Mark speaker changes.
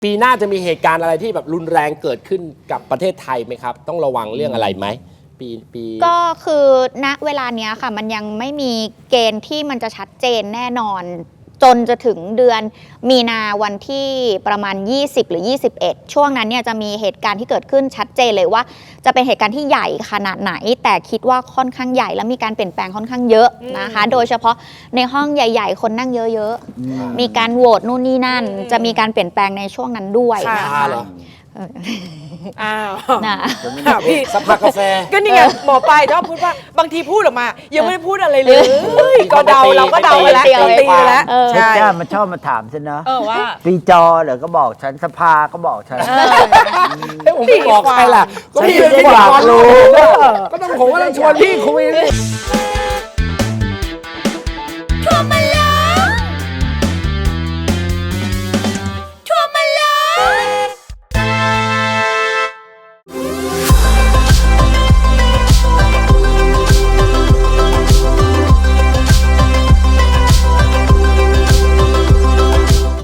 Speaker 1: ปีหน้าจะมีเหตุการณ์อะไรที่แบบรุนแรงเกิดขึ้นกับประเทศไทยไหมครับต้องระวังเรื่องอะไรไหมปี
Speaker 2: ก็คือณเวลาเนี้ยค่ะมันยังไม่มีเกณฑ์ที่มันจะชัดเจนแน่นอน จนจะถึงเดือนมีนาวันที่ประมาณ20หรือ21ช่วงนั้นเนี่ยจะมีเหตุการณ์ที่เกิดขึ้นชัดเจนเลยว่าจะเป็นเหตุการณ์ที่ใหญ่ขนาดไหนแต่คิดว่าค่อนข้างใหญ่และมีการเปลี่ยนแปลงค่อนข้างเยอะนะคะโดยเฉพาะในห้องใหญ่ๆคนนั่งเยอะๆมีการโหวตนู่นนี่นั่นจะมีการเปลี่ยนแปลงในช่วงนั้นด้วยนะคะ
Speaker 3: อ้าว
Speaker 2: นะ
Speaker 3: พี่
Speaker 1: สักพักกาแฟ
Speaker 3: ก็นี่ไงหมอปลายชอบพูดว่าบางทีพูดออกมายังไม่ได้พูดอะไรเลยก็เดาเราก็เดาไปแล้วตีไปแล้ว
Speaker 4: ใช่มันชอบมาถามฉันเนาะ
Speaker 3: ว่า
Speaker 4: ปีจอเหรอก็บอกฉันสภาก็บอกฉัน
Speaker 1: ผมไม่บอกใครล่ะก็พี่เป็นพิธีกรรู้ก็ต้องผมก็ต้องชวนพี่คุย